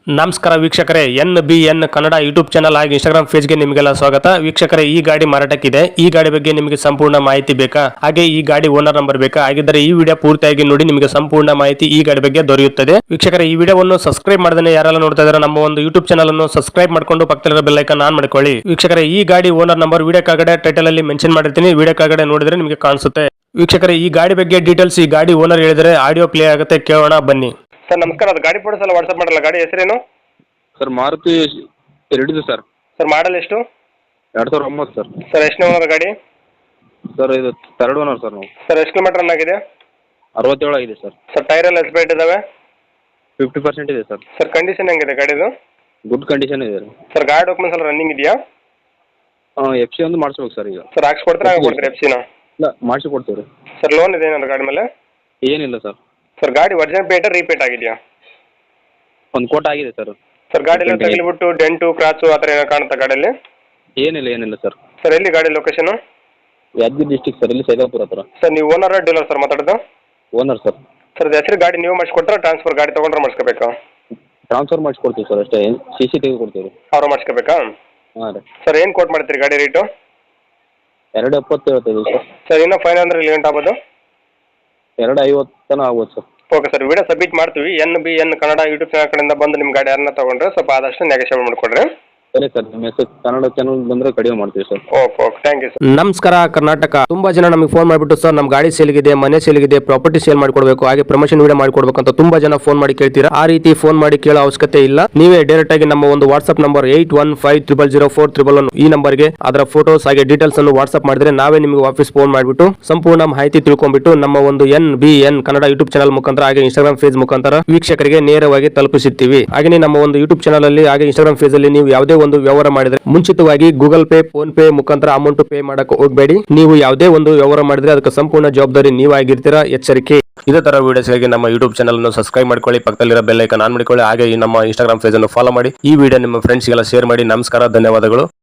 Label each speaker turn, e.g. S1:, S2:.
S1: ನಮಸ್ಕಾರ ವೀಕ್ಷಕರೇ, NBN Kannada YouTube channel ಹಾಗೂ ಇನ್ಸ್ಟಾಗ್ರಾಮ್ ಪೇಜ್ಗೆ ನಿಮಗೆಲ್ಲ ಸ್ವಾಗತ. ವೀಕ್ಷಕರೇ, ಈ ಗಾಡಿ ಮಾರಾಟಕ್ಕಿದೆ. ಈ ಗಾಡಿ ಬಗ್ಗೆ ನಿಮಗೆ ಸಂಪೂರ್ಣ ಮಾಹಿತಿ ಬೇಕಾ? ಹಾಗೆ ಈ ಗಾಡಿ ಓನರ್ ನಂಬರ್ ಬೇಕಾ? ಹಾಗಿದ್ದರೆ ಈ ವಿಡಿಯೋ ಪೂರ್ತಿಯಾಗಿ ನೋಡಿ, ನಿಮಗೆ ಸಂಪೂರ್ಣ ಮಾಹಿತಿ ಈ ಗಾಡಿ ಬಗ್ಗೆ ದೊರೆಯುತ್ತದೆ. ವೀಕ್ಷಕರೇ, ಈ ವಿಡಿಯೋವನ್ನು ಸಬ್ಸ್ಕ್ರೈಬ್ ಮಾಡದೇ ಯಾರೆಲ್ಲ ನೋಡ್ತಾ ಇದ್ದಾರೆ ನಮ್ಮ ಒಂದು ಯೂಟ್ಯೂಬ್ ಚಾನಲ್ ಅನ್ನು ಸಬ್ಸ್ಕ್ರೈಬ್ ಮಾಡ್ಕೊಂಡು ಪಕ್ಕದಲ್ಲಿರೋ ಬೆಲ್ ಐಕಾನ್ ಆನ್ ಮಾಡ್ಕೊಳ್ಳಿ. ವೀಕ್ಷಕರೇ, ಈ ಗಾಡಿ ಓನರ್ ನಂಬರ್ ವಿಡಿಯೋ ಕೆಳಗಡೆ ಟೈಟಲ್ ಅಲ್ಲಿ ಮೆನ್ಷನ್ ಮಾಡಿರ್ತೀನಿ, ವಿಡಿಯೋ ಕೆಳಗಡೆ ನೋಡಿದ್ರೆ ನಿಮಗೆ ಕಾಣಿಸುತ್ತೆ. ವೀಕ್ಷಕರೇ, ಈ ಗಾಡಿ ಬಗ್ಗೆ ಡೀಟೇಲ್ಸ್ ಈ ಗಾಡಿ ಓನರ್ ಹೇಳಿದರೆ ಆಡಿಯೋ ಪ್ಲೇ ಆಗುತ್ತೆ, ಕೇಳೋಣ ಬನ್ನಿ. ಸರ್ ನಮಸ್ಕಾರ, ಅದು ಗಾಡಿ ಫೋಟೋಸ್ ಎಲ್ಲ ವಾಟ್ಸ್ಆಪ್ ಮಾಡಲ್ಲ. ಗಾಡಿ ಹೆಸರೇನು?
S2: ಸರ್ ಮಾರುತಿ ಎರಡಿದೆ ಸರ್.
S1: ಸರ್ ಮಾಡಲ್ ಎಷ್ಟು?
S2: 2009 ಸರ್.
S1: ಸರ್ ಎಷ್ಟು ಓನರ್ ಗಾಡಿ?
S2: ಸರ್ ಇದು ಥರ್ಡ್ ಓನರ್ ಸರ್ ನಾವು.
S1: ಸರ್ ಎಷ್ಟು ಕಿಲೋಮೀಟರ್ ರನ್ ಆಗಿದೆ?
S2: 67 ಆಗಿದೆ ಸರ್.
S1: ಸರ್ ಟೈರ್ ಎಲ್ಲ ಎಸ್ಪೇಟ್ ಇದಾವೆ?
S2: 50% ಇದೆ ಸರ್.
S1: ಸರ್ ಕಂಡೀಷನ್ ಹೆಂಗಿದೆ ಗಾಡಿದು?
S2: ಗುಡ್ ಕಂಡೀಷನ್ ಇದೆ
S1: ಸರ್ ಗಾಡಿ ಡಾಕ್ಯುಮೆಂಟ್ಸ್ ಎಲ್ಲ ರನ್ನಿಂಗ್ ಇದೆಯಾ?
S2: FC ಒಂದು ಮಾಡಿಸ್ಬೇಕು ಸರ್ ಈಗ.
S1: ಸರ್ ಹಾಕ್ಸ್ಕೊಡ್ತಾರೆ, ಹಾಕ್ಕೊಡ್ತೀರಿ FC ನ?
S2: ಇಲ್ಲ, ಮಾಡಿಸಿ ಕೊಡ್ತೀವಿ ರೀ.
S1: ಸರ್ ಲೋನ್ ಇದೆ ಏನಾದ್ರು ಗಾಡಿ ಮೇಲೆ?
S2: ಏನಿಲ್ಲ ಸರ್.
S1: ಸರ್ ಗಾಡಿ ಒರಿಜಿನಲ್ ಪೇಟ ರೀಪೇಟ್ ಆಗಿದೆಯಾ?
S2: ಒಂದು ಕೋಟ ಆಗಿದೆ ಸರ್.
S1: ಸರ್ ಗಾಡಿ ಎಲ್ಲ ತಗಲಿಬಿಟ್ಟು ಡೆಂಟು ಕ್ರಾಚು ಆ ಥರ ಏನೋ ಕಾಣುತ್ತಾ ಗಾಡಿಯಲ್ಲಿ?
S2: ಏನಿಲ್ಲ ಸರ್.
S1: ಸರ್ ಎಲ್ಲಿ ಗಾಡಿ ಲೊಕೇಶನು?
S2: ಯಾದಗಿರಿ ಡಿಸ್ಟಿಕ್ ಸರ್, ಇಲ್ಲಿ ಸೈದಾಪುರ ಹತ್ರ.
S1: ಸರ್ ನೀವು ಓನರ್ ಡೀಲರ್ ಸರ್ ಮಾತಾಡೋದು?
S2: Owner sir.
S1: ಸರ್ ಹೆಸರು ಗಾಡಿ ನೀವು ಮಾಡಿಸ್ಕೊಟ್ರೆ ಟ್ರಾನ್ಸ್ಫರ್ ಗಾಡಿ ತೊಗೊಂಡ್ರೆ ಮಾಡಿಸ್ಕೋಬೇಕಾ?
S2: ಟ್ರಾನ್ಸ್ಫರ್ ಮಾಡಿಸ್ಕೊಡ್ತೀವಿ ಸರ್, ಅಷ್ಟೇ. CC ಕೊಡ್ತೀವಿ.
S1: ಅವ್ರು ಮಾಡಿಸ್ಕೋಬೇಕಾ?
S2: ಹಾಂ ರೀ.
S1: ಸರ್ ಏನು ಕೋಟ್ ಮಾಡ್ತೀರಿ ಗಾಡಿ ರೇಟು?
S2: 270 ಹೇಳ್ತೀವಿ ಸರ್.
S1: ಸರ್ ಇನ್ನೂ ಫೈನ್ ಅಂದ್ರೆ ಇಲ್ಲಿ ಗಂಟೆ ಆಗ್ಬೋದು?
S2: 250 ತನಕ ಆಗ್ಬೋದು sir.
S1: Okay sir, video submit ಮಾಡ್ತೀವಿ. NBN ಕನ್ನಡ ಯೂಟ್ಯೂಬ್ ಚಾನಲ್ ಕಡೆಯಿಂದ ಬಂದು ನಿಮ್ಮ ಗಾಡಿ ಯಾರನ್ನ ತೊಗೊಂಡ್ರೆ ಸ್ವಲ್ಪ ಆದಷ್ಟು ನೆಗೋಷಿಯೇಟ್ ಮಾಡಿಕೊಡ್ರಿ.
S2: ಸರಿ ಸರ್, ನಿಮ್ಮ ಹೆಸರು ಕನ್ನಡ ಚಾನಲ್ ಬಂದರೆ ಕಡಿಮೆ ಮಾಡ್ತೀವಿ sir.
S1: Okay thank you sir. ನಮಸ್ಕಾರ ಕರ್ನಾಟಕ. ತುಂಬಾ ಜನ ನಮಗೆ ಫೋನ್ ಮಾಡಿಬಿಟ್ಟು ಸರ್ ನಮ್ಮ ಗಾಡಿ ಸೇಲ್ಗಿದೆ, ಮನೆ ಸೇಲ್ಗಿದೆ, ಪ್ರಾಪರ್ಟಿ ಸೇಲ್ ಮಾಡ್ಕೊಡ್ಬೇಕು, ಹಾಗೆ ಪ್ರಮೋಷನ್ ವಿಡಿಯೋ ಮಾಡ್ಕೊಡ್ಬೇಕು ಅಂತ ತುಂಬಾ ಜನ ಫೋನ್ ಮಾಡಿ ಕೇಳ್ತೀರಾ. ಆ ರೀತಿ ಫೋನ್ ಮಾಡಿ ಕೇಳೋ ಅವಶ್ಯಕತೆ ಇಲ್ಲ. ನೀವೇ ಡೈರೆಕ್ಟ್ ಆಗಿ ನಮ್ಮ ಒಂದು ವಾಟ್ಸ್ಆಪ್ ನಂಬರ್ 81500411 ಈ ನಂಬರ್ಗೆ ಅದರ ಫೋಟೋಸ್ ಹಾಗೆ ಡೀಟೇಲ್ಸ್ ಅನ್ನು ವಾಟ್ಸ್ಆಪ್ ಮಾಡಿದ್ರೆ ನಾವೇ ನಿಮಗೆ ವಾಪಸ್ ಫೋನ್ ಮಾಡಿಬಿಟ್ಟು ಸಂಪೂರ್ಣ ಮಾಹಿತಿ ತಿಳ್ಕೊಂಡ್ಬಿಟ್ಟು ನಮ್ಮ ಒಂದು NBN ಕನ್ನಡ ಯೂಟ್ಯೂಬ್ ಚಾನಲ್ ಮುಖಾಂತರ ಹಾಗೆ ಇನ್ಸ್ಟಾಗ್ರಾಮ್ ಪೇಜ್ ಮುಖಾಂತರ ವೀಕ್ಷಕರಿಗೆ ನೇರವಾಗಿ ತಲುಪಿಸುತ್ತೀವಿ. ಹಾಗೆ ನಮ್ಮ ಒಂದು ಯೂಟ್ಯೂಬ್ ಚಾನಲ್ ಅಲ್ಲಿ ಹಾಗೆ ಇನ್ಸ್ಟಾಗ್ರಾಮ್ ಪೇಜ್ ಅಲ್ಲಿ ನೀವು ಯಾವುದೇ ಒಂದು ವ್ಯವಹಾರ ಮಾಡಿದ್ರೆ ಮುಂಚಿತವಾಗಿ ಗೂಗಲ್ ಪೇ, ಫೋನ್ ಪೇ ಮುಖಾಂತರ ಅಮೌಂಟ್ ಪೇ ಮಾಡಕ್ಕೆ ಹೋಗಬೇಡಿ. ನೀವು ಯಾವುದೇ ಒಂದು ವ್ಯವಹಾರ ಮಾಡಿದ್ರೆ ಅದಕ್ಕೆ ಸಂಪೂರ್ಣ ಜವಾಬ್ದಾರಿ ನೀವಾಗಿರ್ತೀರಾ, ಎಚ್ಚರಿಕೆ. ಇದೇ ತರ ವಿಡಿಯೋಸ್ಗಾಗಿ ನಮ್ಮ ಯೂಟ್ಯೂಬ್ ಚಾನಲ್ ಅನ್ನು ಸಬ್ಸ್ಕ್ರೈಬ್ ಮಾಡ್ಕೊಳ್ಳಿ, ಪಕ್ಕದಲ್ಲಿರೋ ಬೆಲ್ ಐಕಾನ್ ಆನ್ ಮಾಡಿಕೊಳ್ಳಿ, ಹಾಗೆ ಈ ನಮ್ಮ ಇನ್ಸ್ಟಾಗ್ರಾಮ್ ಪೇಜ್ ಅನ್ನು ಫಾಲೋ ಮಾಡಿ. ಈ ವಿಡಿಯೋ ನಿಮ್ಮ ಫ್ರೆಂಡ್ಸ್ಗೆಲ್ಲ ಶೇರ್ ಮಾಡಿ. ನಮಸ್ಕಾರ, ಧನ್ಯವಾದಗಳು.